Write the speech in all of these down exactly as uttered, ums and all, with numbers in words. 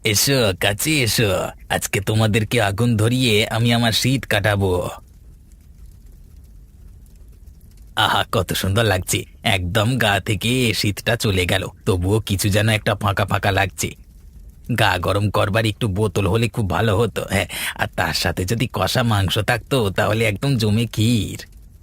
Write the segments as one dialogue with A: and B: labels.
A: এসো কাছে এসো। আজকে তোমাদেরকে আগুন ধরিয়ে আমি আমার শীত কাটাবো। আহা, কত সুন্দর লাগছে। একদম গা থেকে শীতটা চলে গেল, তবুও কিছু যেন একটা ফাঁকা ফাঁকা লাগছে। গা গরম করবার একটু বোতল হলে খুব ভালো হতো, হ্যাঁ। আর তার সাথে যদি কষা মাংস থাকতো তাহলে একদম জমে ক্ষীর।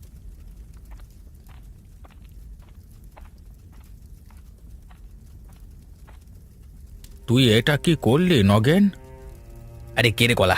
B: তুই এটা কি করলি নগেন?
A: আরে কে রে কলা?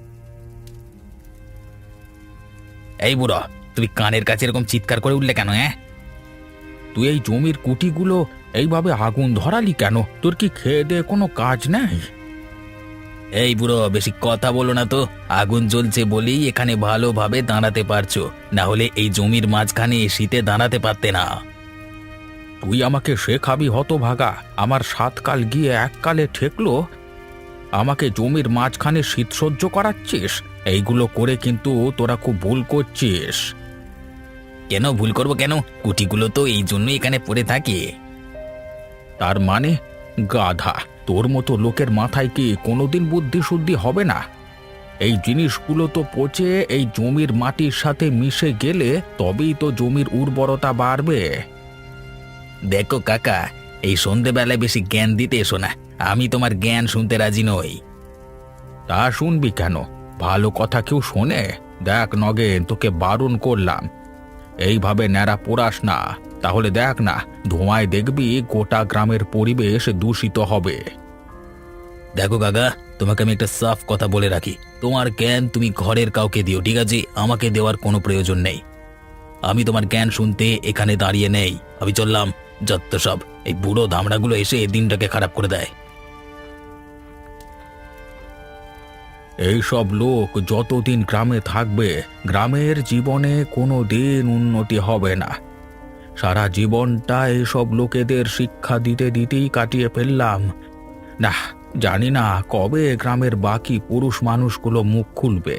A: এই বুড়ো, তুমি কানের কাছে এরকম চিৎকার করে উঠলে কেন? হ্যাঁ,
B: তুই এই জমির কুটিগুলো এইভাবে আগুন ধরালি কেন? তোর কি খেয়ে দেয়ে কোনো কাজ নেই?
A: এই বুড়ো, বেশি কথা বলো না তো। আগুন জ্বলছে বলেই এখানে ভালোভাবে দাঁড়াতে পারছো, না হলে এই জমির মাঝখানে শীতে দাঁড়াতে পারতে না।
B: তুই আমাকে শেখাবি হতভাগা? আমার সাত কাল গিয়ে এক কালে ঠেকলো, আমাকে জমির মাঝখানে শীত সহ্য করাচ্ছিস? এইগুলো করে কিন্তু তোরা খুব ভুল করছিস।
A: কেন ভুল করবো কেন? কুটিগুলো তো এই জন্যই এখানে পড়ে থাকে।
B: তার মানে গাধা, তোর মতো লোকের মাথায় কি কোনোদিন বুদ্ধি শুদ্ধি হবে না? এই জিনিসগুলো তো পচে এই জমির মাটির সাথে মিশে গেলে তবেই তো জমির উর্বরতা বাড়বে।
A: দেখো কাকা, এই সন্ধেবেলায় বেশি জ্ঞান দিতে এসো না। আমি তোমার জ্ঞান শুনতে রাজি নই।
B: তা শুনবি কেন? ভালো কথা কেউ শোনে? দেখ নগেন, তোকে বারণ করলাম, এইভাবে ন্যাড়া পোড়াস না। তাহলে দেখ না, ধোঁয়ায় দেখবি গোটা গ্রামের পরিবেশ দূষিত হবে।
A: দেখো কাকা, তোমাকে আমি একটা সাফ কথা বলে রাখি। তোমার জ্ঞান তুমি ঘরের কাউকে দিও, ঠিক আছে? আমাকে দেওয়ার কোনো প্রয়োজন নেই। আমি তোমার জ্ঞান শুনতে এখানে দাঁড়িয়ে নেই। আমি চললাম। যত সব এই বুড়ো ধামড়াগুলো এসে এই দিনটাকে খারাপ করে দেয়।
B: এইসব লোক যতদিন গ্রামে থাকবে, গ্রামের জীবনে কোনো দিন উন্নতি হবে না। সারা জীবনটা এইসব লোকেদের শিক্ষা দিতে দিতেই কাটিয়ে ফেললাম। না, জানি না কবে গ্রামের বাকি পুরুষ মানুষগুলো মুখ খুলবে।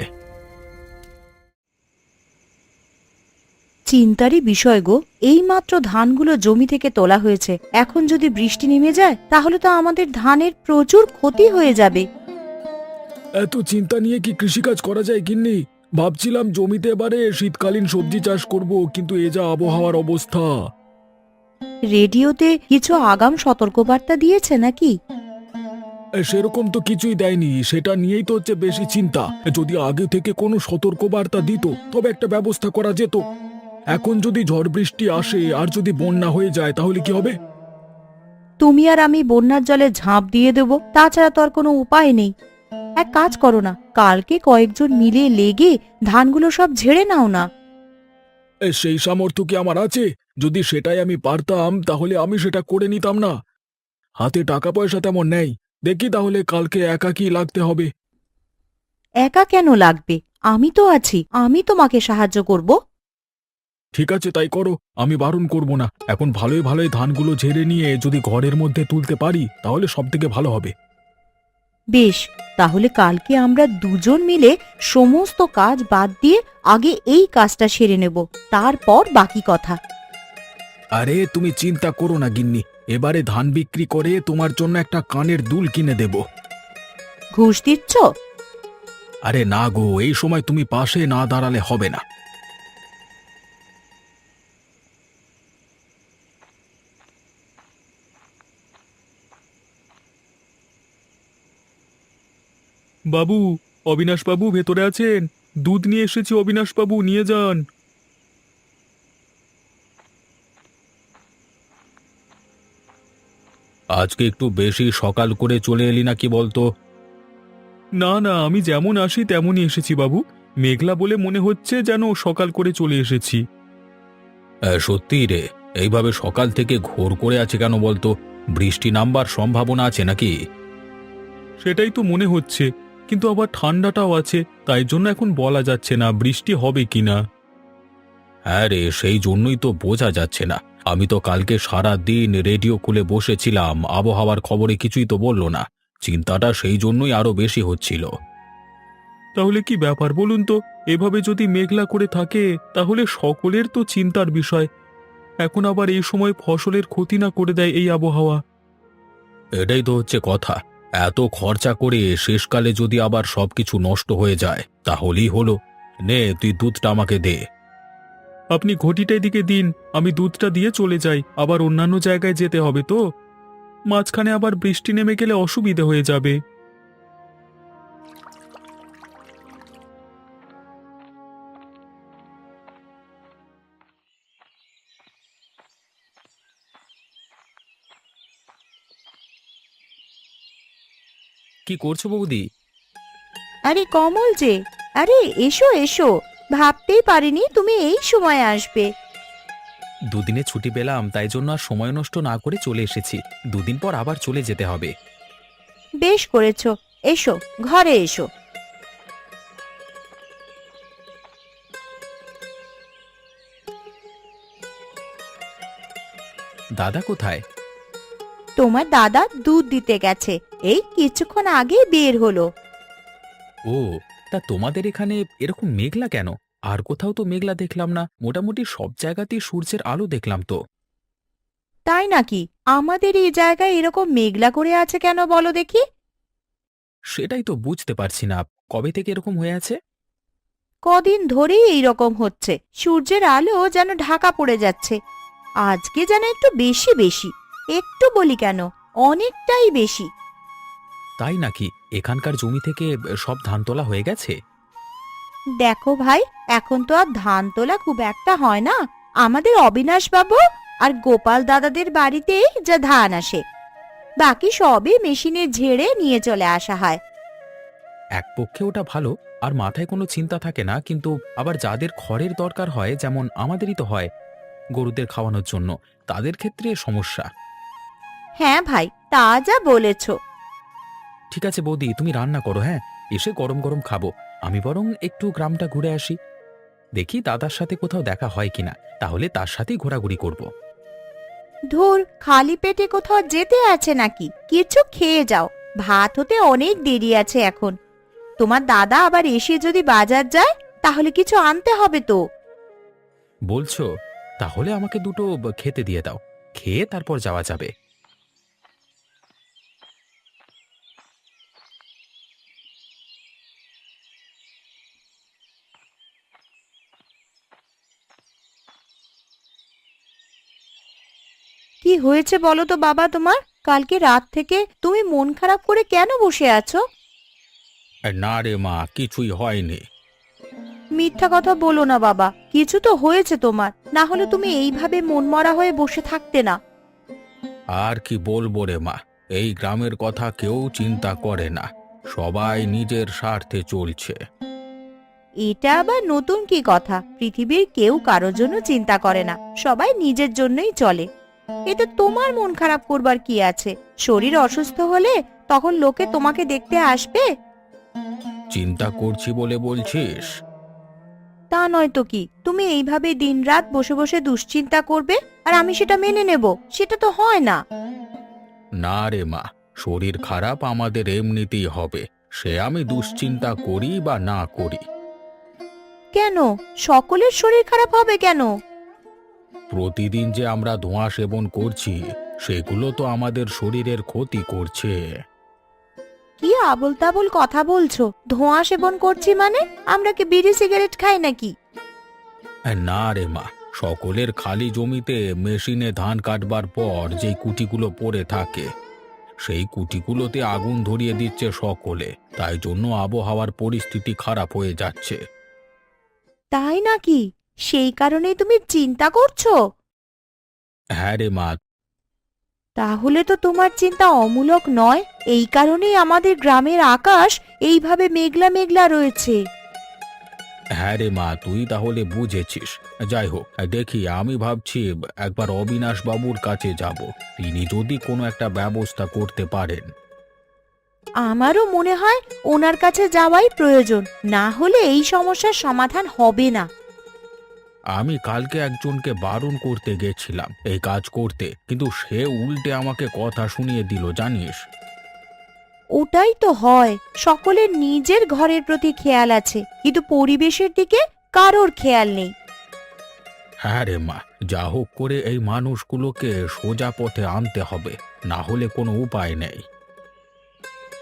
C: চিন্তারই বিষয় গো। এইমাত্র ধানগুলো জমি থেকে তোলা হয়েছে, এখন যদি বৃষ্টি নেমে যায় তাহলে তো আমাদের ধানের প্রচুর ক্ষতি হয়ে যাবে।
D: এত চিন্তা নিয়ে কি কৃষিকাজ করা যায় গিন্নি? ভাবছিলাম জমিতে এবারে শীতকালীন সবজি চাষ করব, কিন্তু এ যা আবহাওয়ার অবস্থা।
C: রেডিওতে কিছু আগাম সতর্কবার্তা দিয়েছে নাকি?
D: এ, সেরকম তো কিছুই দেয়নি, সেটা নিয়েই তো হচ্ছে বেশি চিন্তা। যদি আগে থেকে কোনো সতর্কবার্তা দিত তবে একটা ব্যবস্থা করা যেত। এখন যদি ঝড় বৃষ্টি আসে আর যদি বন্যা হয়ে যায় তাহলে কি হবে?
C: তুমি আর আমি বন্যার জলে ঝাঁপ দিয়ে দেব, তাছাড়া তো আর কোনো উপায় নেই। এক কাজ করো না, কালকে কয়েকজন মিলে লেগে ধানগুলো সব ঝেড়ে নাও না।
D: এ, সেই সামর্থ্য কি আমার আছে? যদি সেটাই আমি পারতাম তাহলে আমি সেটা করে নিতাম না। হাতে টাকা পয়সা তেমন নেই। দেখি তাহলে কালকে একাকী লাগতে হবে।
C: একা কেন লাগবে? আমি তো আছি, আমি তোমাকে সাহায্য করব।
D: ঠিক আছে, তাই করো, আমি বারণ করব না। এখন ভালোই ভালোই ধানগুলো ঝেড়ে নিয়ে যদি ঘরের মধ্যে তুলতে পারি তাহলে সব থেকে ভালো হবে।
C: বেশ, তাহলে কালকে আমরা দুজন মিলে সমস্ত কাজ বাদ দিয়ে আগে এই কাজটা সেরে নেব, তারপর বাকি কথা।
D: আরে তুমি চিন্তা করো না গিন্নি, এবারে ধান বিক্রি করে তোমার জন্য একটা কানের দুল কিনে দেব।
C: ঘুষ দিচ্ছ?
D: আরে না গো, এই সময় তুমি পাশে না দাঁড়ালে হবে না।
E: বাবু, অবিনাশবাবু ভেতরে আছেন? দুধ নিয়ে এসেছি, অবিনাশবাবু নিয়ে যান।
B: আজকে একটু বেশি সকাল করে চলে এলি নাকি বলতো?
E: না না, আমি যেমন আসি তেমনই এসেছি বাবু। মেঘলা বলে মনে হচ্ছে যেন সকাল করে চলে এসেছি।
B: সত্যি রে, এইভাবে সকাল থেকে ঘোর করে আছে কেন বলতো? বৃষ্টি নামবার সম্ভাবনা আছে নাকি?
E: সেটাই তো মনে হচ্ছে, কিন্তু আবার ঠান্ডাটাও আছে, তাই জন্য এখন বলা যাচ্ছে না বৃষ্টি হবে কিনা।
B: হ্যাঁ রে, সেই জন্যই তো বোঝা যাচ্ছে না। আমি তো কালকে সারা দিন রেডিও খুলে বসেছিলাম, আবহাওয়ার খবরে কিছুই তো বললো না। চিন্তাটা সেই জন্যই আরো বেশি হচ্ছিল।
E: তাহলে কি ব্যাপার বলুন তো? এভাবে যদি মেঘলা করে থাকে তাহলে সকলের তো চিন্তার বিষয়। এখন আবার এই সময় ফসলের ক্ষতি না করে দেয় এই আবহাওয়া।
B: এটাই তো হচ্ছে কথা। এত খরচা করে শেষকালে যদি আবার সবকিছু নষ্ট হয়ে যায় তাহলেই হলো। নে তুই দুধটা আমাকে দে।
E: আপনি ঘটিটা এদিকে দিন, আমি দুধটা দিয়ে চলে যাই, আবার অন্যান্য জায়গায় যেতে হবে তো। মাঝখানে আবার বৃষ্টি নেমে গেলে অসুবিধে হয়ে যাবে।
B: কি করছো বৌদি?
C: আরে কমল যে, আরে এসো এসো, ভাবতেই পারিনি তুমি এই সময় আসবে।
B: দুদিনে ছুটি পেলাম, তাই জন্য আর সময় নষ্ট না করে চলে এসেছি। দুদিন পর আবার চলে যেতে হবে।
C: বেশ করেছো, এসো ঘরে এসো।
B: দাদা কোথায়?
C: তোমার দাদা দুধ দিতে গেছে, এই কিছুক্ষণ আগে বের হলো।
B: ও, তা তোমাদের এখানে এরকম মেঘলা কেন? আর কোথাও তো মেঘলা দেখলাম না, মোটামুটি সব জায়গাতেই সূর্যের আলো দেখলাম তো।
C: তাই নাকি? আমাদের এই জায়গায় এরকম মেঘলা করে আছে কেন বলো দেখি।
B: সেটাই তো বুঝতে পারছি না, কবে থেকে এরকম হয়ে আছে।
C: কদিন ধরেই এই রকম হচ্ছে, সূর্যের আলো যেন ঢাকা পড়ে যাচ্ছে। আজকে যেন একটু বেশি বেশি, একটু বলি কেন, অনেকটাই বেশি।
B: তাই নাকি? এখানকার জমি থেকে সব ধান তোলা হয়ে গেছে?
C: দেখো ভাই, এখন তো আর ধান তোলা খুব একটা হয় না। আমাদের অবিনাশ বাবু আর গোপাল দাদাদের বাড়িতেই যা ধান আসে, বাকি সবই মেশিনে ঝেড়ে নিয়ে চলে আসা হয়।
B: এক পক্ষে ওটা ভালো, আর মাথায় কোনো চিন্তা থাকে না, কিন্তু আবার যাদের খড়ের দরকার হয়, যেমন আমাদেরই তো হয় গরুদের খাওয়ানোর জন্য, তাদের ক্ষেত্রে সমস্যা।
C: হ্যাঁ ভাই, তা যা বলেছ।
B: ঠিক আছে বৌদি, তুমি রান্না করো, হ্যাঁ, এসে গরম গরম খাবো। আমি বরং একটু গ্রামটা ঘুরে আসি, দেখি দাদার সাথে কোথাও দেখা হয় কিনা, তাহলে তার সাথেই ঘোরাঘুরি করব।
C: ধুর, খালি পেটে কোথাও যেতে আছে নাকি? কিছু খেয়ে যাও, ভাত হতে অনেক দেরি আছে এখন। তোমার দাদা আবার এসে যদি বাজার যায়, তাহলে কিছু আনতে হবে তো।
B: বলছো? তাহলে আমাকে দুটো ব- খেতে দিয়ে দাও, খেয়ে তারপর যাওয়া যাবে।
C: কি হয়েছে বলো তো বাবা তোমার? কালকে রাত থেকে তুমি মন খারাপ করে কেন বসে আছো?
B: না রে মা, কিছুই হয়নি।
C: মিথ্যা কথা বলো না বাবা, কিছু তো হয়েছে তোমার, না হলে তুমি এইভাবে মনমরা হয়ে বসে থাকতে না।
B: আর কি বলবো রে মা, এই গ্রামের কথা কেউ চিন্তা করে না, সবাই নিজের স্বার্থে চলছে।
C: এটা আবার নতুন কি কথা? পৃথিবীর কেউ কারোর জন্য চিন্তা করে না, সবাই নিজের জন্যই চলে। এতে তোমার মন খারাপ করবার কি আছে? শরীর অসুস্থ হলে তখন লোকে তোমাকে দেখতে আসবে।
B: চিন্তা করছি বলে বলছিস?
C: তা নয় তো কি, তুমি এইভাবে দিনরাত বসে বসে দুশ্চিন্তা করবে আর আমি সেটা মেনে নেব? সেটা তো হয় না।
B: না রে মা, শরীর খারাপ আমাদের এমনিতেই হবে, সে আমি দুশ্চিন্তা করি বা না করি।
C: কেন? সকলের শরীর খারাপ হবে কেন?
B: প্রতিদিন যে আমরা ধোঁয়া সেবন করছি, সেগুলো তো আমাদের শরীরের ক্ষতি করছে।
C: কি আবোল তাবোল কথা বলছো? ধোঁয়া সেবন করছি মানে? আমরা কি বিড়ি সিগারেট খাই নাকি?
B: না রে মা, সকলের খালি জমিতে মেশিনে ধান কাটবার পর যেই কুটিগুলো পড়ে থাকে, সেই কুটিগুলোতে আগুন ধরিয়ে দিচ্ছে সকলে, তাই জন্য আবহাওয়ার পরিস্থিতি খারাপ হয়ে যাচ্ছে।
C: তাই নাকি? সেই কারণেই তুমি চিন্তা করছো?
B: হ্যাঁ রে মা।
C: তাহলে তো তোমার চিন্তা অমূলক নয়, এই কারণেই আমাদের গ্রামের আকাশ এইভাবে মেঘলা মেঘলা রয়েছে।
B: হ্যাঁ রে মা, তুই তাহলে বুঝেছিস। যাই হোক, দেখি, আমি ভাবছি একবার অবিনাশ বাবুর কাছে যাব, তিনি যদি কোনো একটা ব্যবস্থা করতে পারেন।
C: আমারও মনে হয় ওনার কাছে যাওয়াই প্রয়োজন, না হলে এই সমস্যার সমাধান হবে না।
B: আমি কালকে একজনকে বারণ করতে গেছিলাম এই কাজ করতে, কিন্তু সে উল্টে আমাকে কথা শুনিয়ে দিল, জানিস।
C: ওটাই তো হয়, সকলের নিজের ঘরের প্রতি খেয়াল আছে, কিন্তু পরিবেশের দিকে কারোর খেয়াল নেই।
B: হ্যাঁ রে মা, যা হোক করে এই মানুষগুলোকে সোজা পথে আনতে হবে, না হলে কোনো উপায় নেই।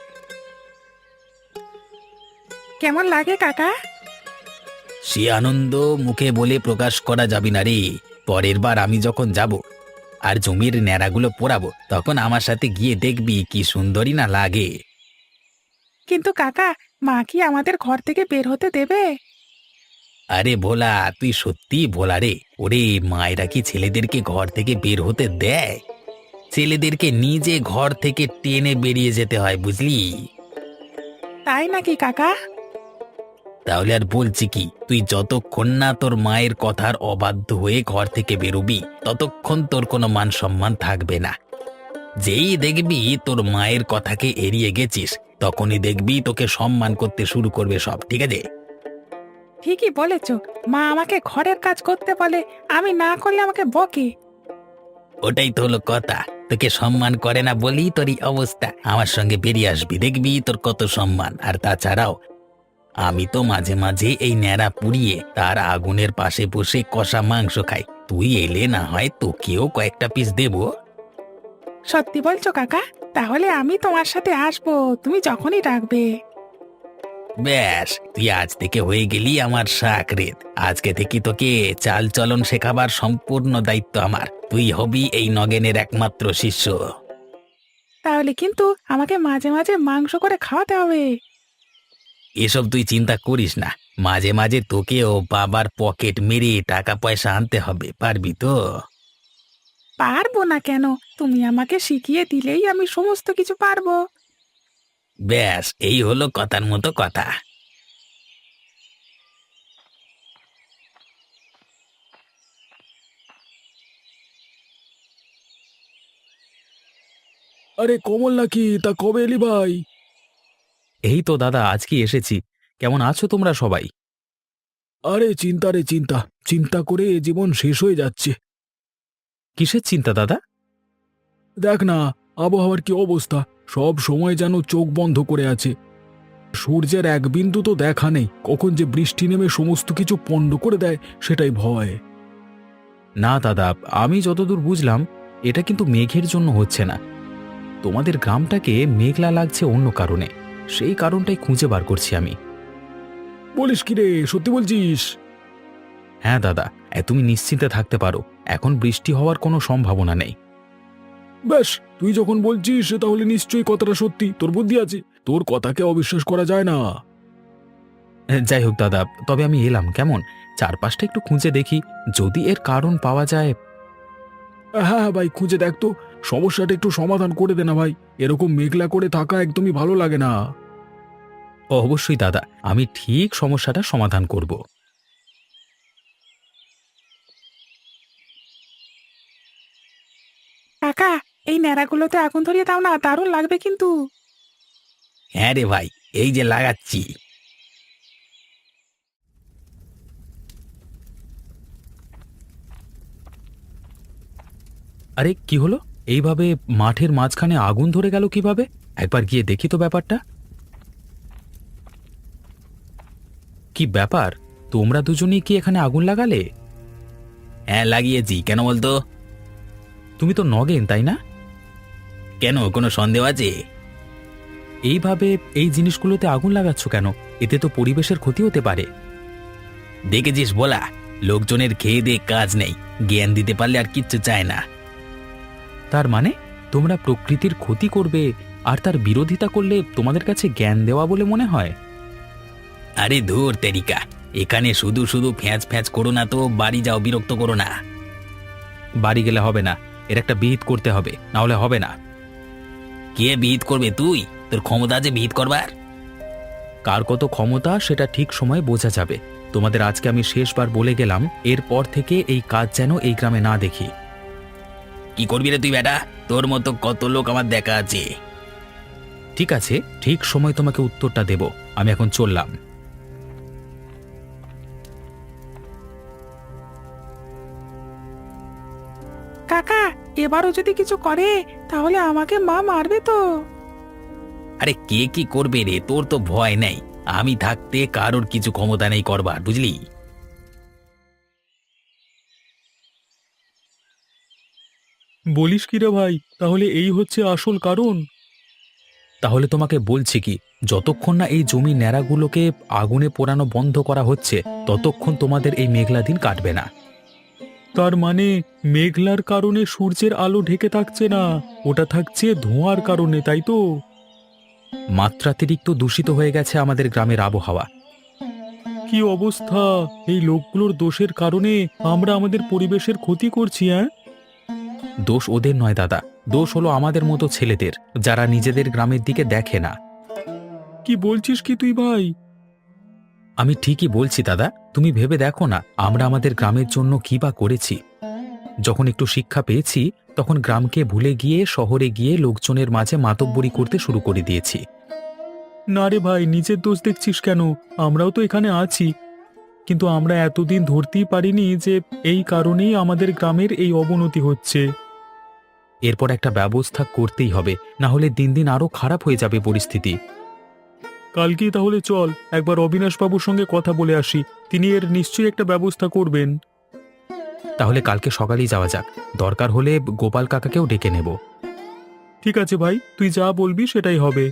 F: কেমন লাগে কাকা?
A: সে আনন্দ মুখে বলে প্রকাশ করা যাবে না রে। পরের বার আমি যখন যাব আর জমির ন্যাড়াগুলো পোড়াবো, তখন আমার সাথে গিয়ে দেখবি কি সুন্দরী না লাগে।
F: কিন্তু কাকা, মা কি আমাদের ঘর থেকে বের হতে দেবে?
A: আরে ভোলা, তুই সত্যি ভোলা রে। ওরে, মায়েরা কি ছেলেদেরকে ঘর থেকে বের হতে দেয়? ছেলেদেরকে নিজে ঘর থেকে টেনে বেরিয়ে যেতে হয়, বুঝলি?
F: তাই নাকি কাকা?
A: তাহলে আর বলছি কি, তুই যতক্ষণ না তোর মায়ের কথার অবাধ্য হয়ে ঘর থেকে বেরোবি, ততক্ষণ তোর কোনো মান সম্মান থাকবে না। যেই দেখবি তোর মায়ের কথাকে এড়িয়ে গেছিস, তখনই দেখবি তোকে সম্মান করতে শুরু করবে সব, ঠিক আছে?
F: ঠিকই বলেছ, মা আমাকে ঘরের কাজ করতে বলে, আমি না করলে আমাকে বকে।
A: ওটাই তো হলো কথা। তোকে সম্মান করে না বলেই তোর এই অবস্থা। আমার সঙ্গে বেরিয়ে আসবি, দেখবি তোর কত সম্মান। আর তাছাড়াও আমি তো মাঝে মাঝে এই ন্যাড়া পুড়িয়ে তার আগুনের পাশে বসে কষা মাংস খাই। তুই এলে না হয় তোকেও কয়েকটা পিস দেবো।
F: সত্যি বলছো কাকা? তাহলে আমি তোমার সাথে আসবো, তুমি যখনই ডাকবে।
A: ব্যাস, তুই আজ থেকে হয়ে গেলি আমার শাকরেদ। আজকে থেকে তোকে চাল চলন শেখাবার সম্পূর্ণ দায়িত্ব আমার। তুই হবি এই নগেনের একমাত্র শিষ্য।
F: তাহলে কিন্তু আমাকে মাঝে মাঝে মাংস করে খাওয়াতে হবে।
A: এসব তুই চিন্তা করিস না। মাঝে মাঝে তোকেও বাবার পকেট মেরে টাকা পয়সা আনতে হবে, পারবি তো?
F: পারবো না কেন? তুমি আমাকে শিখিয়ে দিলেই আমি সমস্ত কিছু পারবো।
A: ব্যাস, এই হলো কথার মতো কথা।
D: আরে কমল নাকি? তা কবে এলি ভাই?
B: এই তো দাদা, আজকে এসেছি। কেমন আছো তোমরা সবাই?
D: আরে চিন্তা রে চিন্তা, চিন্তা করে এ জীবন শেষ হয়ে যাচ্ছে।
B: কিসের চিন্তা দাদা?
D: দেখ না, আবহাওয়ার কি অবস্থা। সব সময় যেন চোখ বন্ধ করে আছে। সূর্যের এক বিন্দু তো দেখা নেই। কখন যে বৃষ্টি নেমে সমস্ত কিছু পণ্ড করে দেয়, সেটাই ভয়।
B: না দাদা, আমি যতদূর বুঝলাম এটা কিন্তু মেঘের জন্য হচ্ছে না। তোমাদের গ্রামটাকে মেঘলা লাগছে অন্য কারণে। সেই কারণটাই খুঁজে বার করছি আমি।
D: বলিস কি রে, সত্যি বলছিস?
B: হ্যাঁ দাদা, এ, তুমি নিশ্চিন্তে থাকতে পারো। এখন বৃষ্টি হওয়ার কোনো সম্ভাবনা নেই।
D: ব্যাস, তুই যখন বলছিস তাহলে নিশ্চয়ই কথাটা সত্যি। তোর বুদ্ধি আছে, তোর কথাকে অবিশ্বাস করা যায় না।
B: এ, যাই হোক দাদা, তবে আমি এলাম কেমন, চারপাশটা একটু খুঁজে দেখি, যদি এর কারণ পাওয়া যায়।
D: হ্যাঁ হ্যাঁ ভাই, খুঁজে দেখ তো। সমস্যাটা একটু সমাধান করে দে না ভাই। এরকম মেঘলা করে থাকা একদমই ভালো লাগে না।
B: অবশ্যই দাদা, আমি ঠিক সমস্যাটা সমাধান করব।
F: কাকা, এই ন্যাড়াগুলোতে আগুন ধরিয়ে দাও না, দারুণ লাগবে কিন্তু।
A: হ্যাঁ রে ভাই, এই যে লাগাচ্ছি।
B: আরে কি হলো? এইভাবে মাঠের মাঝখানে আগুন ধরে গেল কিভাবে? একবার গিয়ে দেখি তো ব্যাপারটা। কি ব্যাপার, তোমরা দুজনেই কি এখানে আগুন লাগালে?
A: হ্যাঁ লাগিয়েছি, কেন বলতো?
B: তুমি তো নগেন, তাই না?
A: কেন, কোনো সন্দেহ আছে?
B: এইভাবে এই জিনিসগুলোতে আগুন লাগাচ্ছ কেন? এতে তো পরিবেশের ক্ষতি হতে পারে।
A: দেখেছিস বলা, লোকজনের খেয়ে দিয়ে কাজ নেই, জ্ঞান দিতে পারলে আর কিচ্ছু চায় না।
B: তার মানে তোমরা প্রকৃতির ক্ষতি করবে আর তার বিরোধিতা করলে তোমাদের কাছে জ্ঞান দেওয়া বলে মনে হয়?
A: আরে ধুর তেরিকা, এখানে শুধু শুধু ফ্যাঁচ ফ্যাঁচ করো না তো, বাড়ি যাও, বিরক্ত করো না।
B: বাড়ি গেলে হবে না, এর একটা বিহিত করতে হবে, না হলে হবে না।
A: কে বিহিত করবে? তুই? তোর ক্ষমতা আছে বিহিত করবার?
B: কার কত ক্ষমতা সেটা ঠিক সময়ে বোঝা যাবে। তোমাদের আজকে আমি শেষবার বলে গেলাম, এরপর থেকে এই কাজ যেন এই গ্রামে না দেখি।
A: কি করবি রে তুই বেটা? তোর মতো কত লোক আমার দেখা আছে।
B: ঠিক আছে, ঠিক সময় তোমাকে উত্তরটা দেব। আমি এখন চললাম।
F: কাকা, এবারও যদি কিছু করে তাহলে আমাকে মা মারবে তো।
A: আরে কে কি করবে রে, তোর তো ভয় নেই। আমি থাকতে কারোর কিছু ক্ষমতা নেই করবার, বুঝলি?
E: বলিস কি রে ভাই, তাহলে এই হচ্ছে আসল কারণ?
B: তাহলে তোমাকে বলছি কি, যতক্ষণ না এই জমি ন্যাড়াগুলোকে আগুনে পোড়ানো বন্ধ করা হচ্ছে ততক্ষণ তোমাদের এই মেঘলা দিন কাটবে না।
E: তার মানে মেঘলার কারণে সূর্যের আলো ঢেকে থাকছে না, ওটা থাকছে ধোঁয়ার কারণে, তাই তো?
B: মাত্রাতিরিক্ত দূষিত হয়ে গেছে আমাদের গ্রামের আবহাওয়া।
E: কি অবস্থা! এই লোকগুলোর দোষের কারণে আমরা আমাদের পরিবেশের ক্ষতি করছি। হ্যাঁ,
B: দোষ ওদের নয় দাদা, দোষ হলো আমাদের মতো ছেলেদের, যারা নিজেদের গ্রামের দিকে দেখে না।
E: কি বলছিস কি তুই ভাই?
B: আমি ঠিকই বলছি দাদা, তুমি ভেবে দেখো না আমরা আমাদের গ্রামের জন্য কী বা করেছি। যখন একটু শিক্ষা পেয়েছি তখন গ্রামকে ভুলে গিয়ে শহরে গিয়ে লোকজনের মাঝে মাতব্বরি করতে শুরু করে দিয়েছি।
E: না রে ভাই, নিজের দোষ দেখছিস কেন? আমরাও তো এখানে আছি, কিন্তু আমরা এতদিন ধরতেই পারিনি যে এই কারণেই আমাদের গ্রামের এই অবনতি হচ্ছে।
B: এরপর একটা ব্যবস্থা করতেই হবে, না হলে দিন দিন আরো খারাপ হয়ে যাবে পরিস্থিতি।
E: কালকেই তাহলে চল একবার অবিনাশ বাবুর সঙ্গে কথা বলে আসি, তিনি এর নিশ্চয়ই একটা ব্যবস্থা করবেন।
B: তাহলে কালকে সকালেই যাওয়া যাক, দরকার হলে গোপাল কাকাকেও ডেকে নেব।
E: ঠিক আছে ভাই, তুই যা বলবি সেটাই হবে।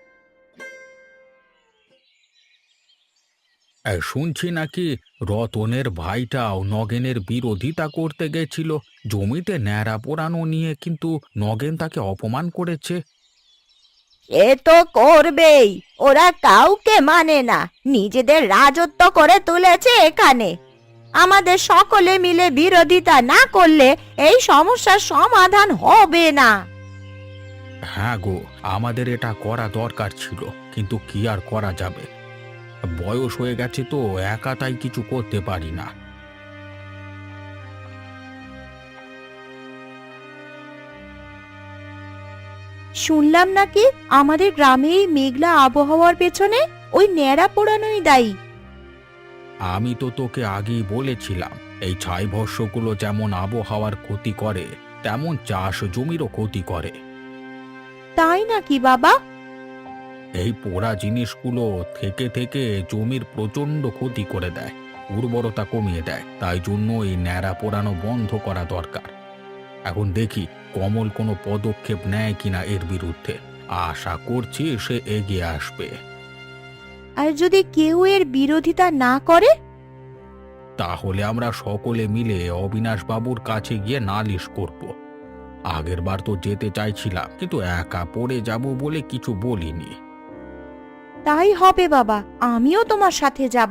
B: শুনছি নাকি রতনের ভাইটাও নগেনের বিরোধিতা করতে গেছিল জমিতে ন্যাড়া পোড়ানো নিয়ে, কিন্তু নগেন তাকে অপমান করেছে।
C: এ তো করবেই, ওরা কাউকে মানে না, নিজেদের রাজত্ব করে তুলেছে এখানে। আমাদের সকলে মিলে বিরোধিতা না করলে এই সমস্যার সমাধান হবে না।
B: হ্যাঁ গো, আমাদের এটা করা দরকার ছিল, কিন্তু কি আর করা যাবে, বয়স হয়ে গেছে তো একা, তাই কিছু করতে পারি না।
C: শুনলাম নাকি আমাদের গ্রামে এই মেঘলা আবহাওয়ার পেছনে ওই ন্যাড়া পোড়ানোই দায়ী।
B: আমি তো তোকে আগেই বলেছিলাম, এই ছাই ভস্যগুলো যেমন আবহাওয়ার ক্ষতি করে তেমন চাষ জমিরও ক্ষতি করে।
C: তাই নাকি বাবা?
B: এই পোড়া জিনিসগুলো থেকে থেকে জমির প্রচণ্ড ক্ষতি করে দেয়, উর্বরতা কমিয়ে দেয়, তাই জন্য এই ন্যাড়া পোড়ানো বন্ধ করা দরকার। এখন দেখি কমল কোনো পদক্ষেপ নেয় কিনা এর বিরুদ্ধে, আশা করছি সে এগিয়ে আসবে।
C: আর যদি কেউ এর বিরোধিতা না করে?
B: তাহলে আমরা সকলে মিলে অবিনাশ বাবুর কাছে গিয়ে নালিশ করব। আগের বার তো যেতে চাইছিলাম, কিন্তু একা পড়ে যাব বলে কিছু বলিনি।
C: তাই হবে বাবা, আমিও তোমার সাথে যাব।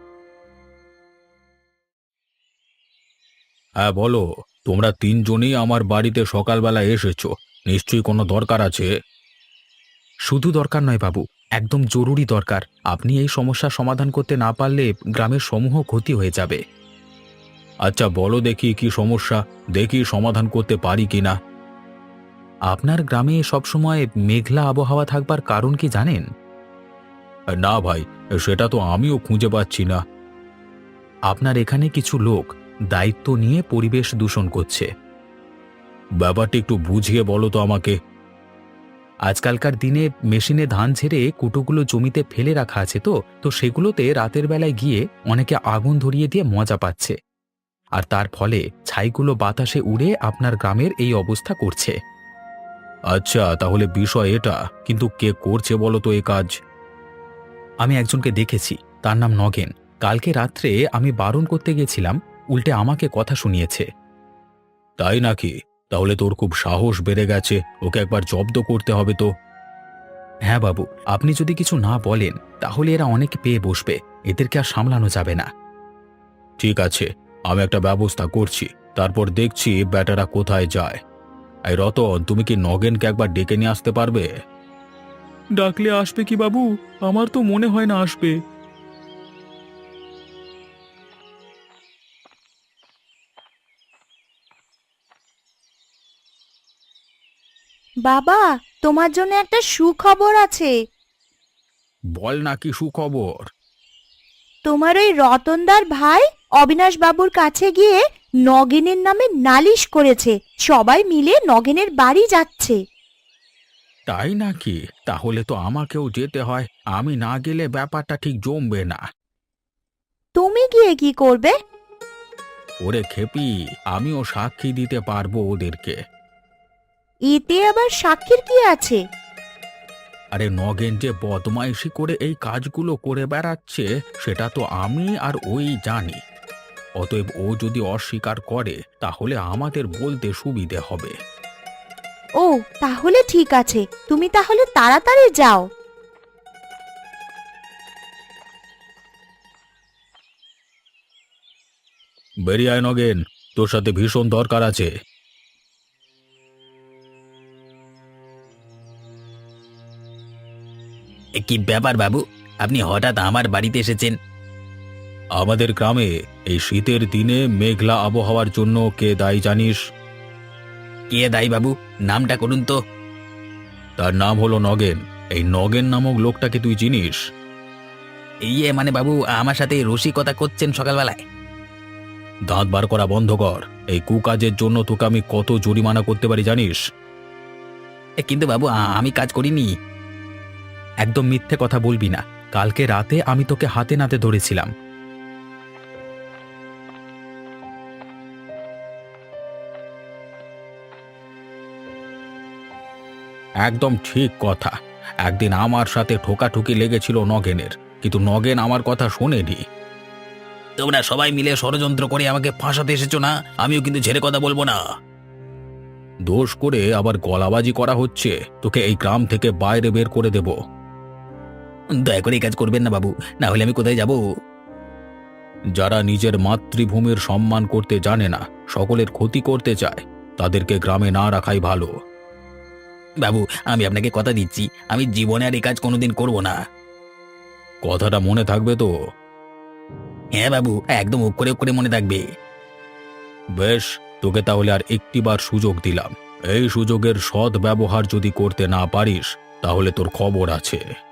B: হ্যাঁ বলো, তোমরা তিনজনই আমার বাড়িতে সকালবেলা এসেছো, নিশ্চয়ই কোনো দরকার আছে। শুধু দরকার নয় বাবু, একদম জরুরি দরকার। আপনি এই সমস্যার সমাধান করতে না পারলে গ্রামের সমূহ ক্ষতি হয়ে যাবে। আচ্ছা বলো দেখি কি সমস্যা, দেখি সমাধান করতে পারি কিনা। আপনার গ্রামে সবসময় মেঘলা আবহাওয়া থাকবার কারণ কি জানেন? না ভাই, সেটা তো আমিও খুঁজে পাচ্ছি না। আপনার এখানে কিছু লোক দায়িত্ব নিয়ে পরিবেশ দূষণ করছে। ব্যাপারটা একটু বুঝিয়ে বলো তো আমাকে। আজকালকার দিনে মেশিনে ধান ঝেড়ে কুটোগুলো জমিতে ফেলে রাখা আছে, তো তো সেগুলোতে রাতের বেলায় গিয়ে অনেকে আগুন ধরিয়ে দিয়ে মজা পাচ্ছে, আর তার ফলে ছাইগুলো বাতাসে উড়ে আপনার গ্রামের এই অবস্থা করছে। আচ্ছা, তাহলে বিষয় এটা, কিন্তু কে করছে বলো তো এ কাজ? আমি একজনকে দেখেছি, তার নাম নগেন। কালকে রাত্রে আমি বারণ করতে গেছিলাম, উল্টে আমাকে কথা শুনিয়েছে। তাই নাকি? তাহলে তোর খুব সাহস বেড়ে গেছে, ওকে একবার জব্দ করতে হবে তো। হ্যাঁ বাবু, আপনি যদি কিছু না বলেন তাহলে এরা অনেক পেয়ে বসবে, এদেরকে আর সামলানো যাবে না। ঠিক আছে, আমি একটা ব্যবস্থা করছি, তারপর দেখছি ব্যাটারা কোথায় যায়। এই রতন, তুমি কি নগেনকে একবার ডেকে নিয়ে আসতে পারবে?
E: ডাকলে আসবে কি বাবু? আমার তো মনে হয় না আসবে।
C: বাবা, তোমার জন্য একটা সুখবর আছে।
B: বল না, কি সুখবর?
C: তোমার ওই রতনদার ভাই অবিনাশ বাবুর কাছে গিয়ে নগেনের নামে নালিশ করেছে, সবাই মিলে নগেনের বাড়ি যাচ্ছে।
B: তাই নাকি? তাহলে তো আমাকেও যেতে হয়, আমি না গেলে ব্যাপারটা ঠিক জমবে না।
C: তুমি গিয়ে কি করবে?
B: ওরে খেপি, আমিও সাক্ষী দিতে পারবো ওদেরকে।
C: এতে আবার সাক্ষীর কি আছে?
B: আরে নগেন যে বদমাইশি করে এই কাজগুলো করে বেড়াচ্ছে সেটা তো আমি আর ওই জানি। অতএব ও যদি অস্বীকার করে তাহলে আমাদের বলতে সুবিধে হবে।
C: ও তাহলে ঠিক আছে, তুমি তাহলে তাড়াতাড়ি যাও।
B: বেরিয়ে আয় নগেন, তোর সাথে ভীষণ দরকার আছে।
A: এ কি ব্যাপার বাবু, আপনি হঠাৎ আমার বাড়িতে এসেছেন?
B: আমাদের গ্রামে এই শীতের দিনে মেঘলা আবহাওয়ার জন্য কে দায়ী জানিস?
A: কে দায়ী বাবু? নামটা করুন তো।
B: তার নাম হলো নগেন। এই নগেন নামক লোকটাকে তুই চিনিস?
A: ইয়ে মানে বাবু, আমার সাথে রসিকতা করছেন সকালবেলায়?
B: দাঁত বার করা বন্ধ কর। এই কুকাজের জন্য তোকে আমি কত জরিমানা করতে পারি জানিস?
A: এ, কিন্তু বাবু আ- আমি কাজ করিনি।
B: একদম মিথ্যে কথা বলবি না। কালকে রাতে আমি তোকে হাতে নাতে ধরেছিলাম। একদম ঠিক কথা। একদিন আমার সাথে ঠোকাঠুকি লেগেছিল নগেনের, কিন্তু নগেন আমার কথা শোনেনি।
A: তোমরা সবাই মিলে ষড়যন্ত্র করে আমাকে ফাঁসাতে এসেছো না? আমিও কিন্তু ছেড়ে কথা বলবো না।
B: দোষ করে আবার গলাবাজি করা হচ্ছে। তোকে এই গ্রাম থেকে বাইরে বের করে দেব।
A: দয়া করে এই কাজ করবেন না বাবু, না হলে আমি কোথায় যাব?
B: যারা নিজের মাতৃভূমির সম্মান করতে জানে না, সকলের ক্ষতি করতে চায়, তাদেরকে গ্রামে না রাখাই ভালো।
A: বাবু আমি আপনাকে কথা দিচ্ছি, আমি জীবনে আর এই কাজ কোনোদিন করব না।
B: কথাটা মনে থাকবে তো?
A: হ্যাঁ বাবু, একদম অক্ষরে অক্ষরে মনে থাকবে।
B: বেশ, তোকে তাহলে আর একটিবার সুযোগ দিলাম। এই সুযোগের সৎ ব্যবহার যদি করতে না পারিস তাহলে তোর খবর আছে।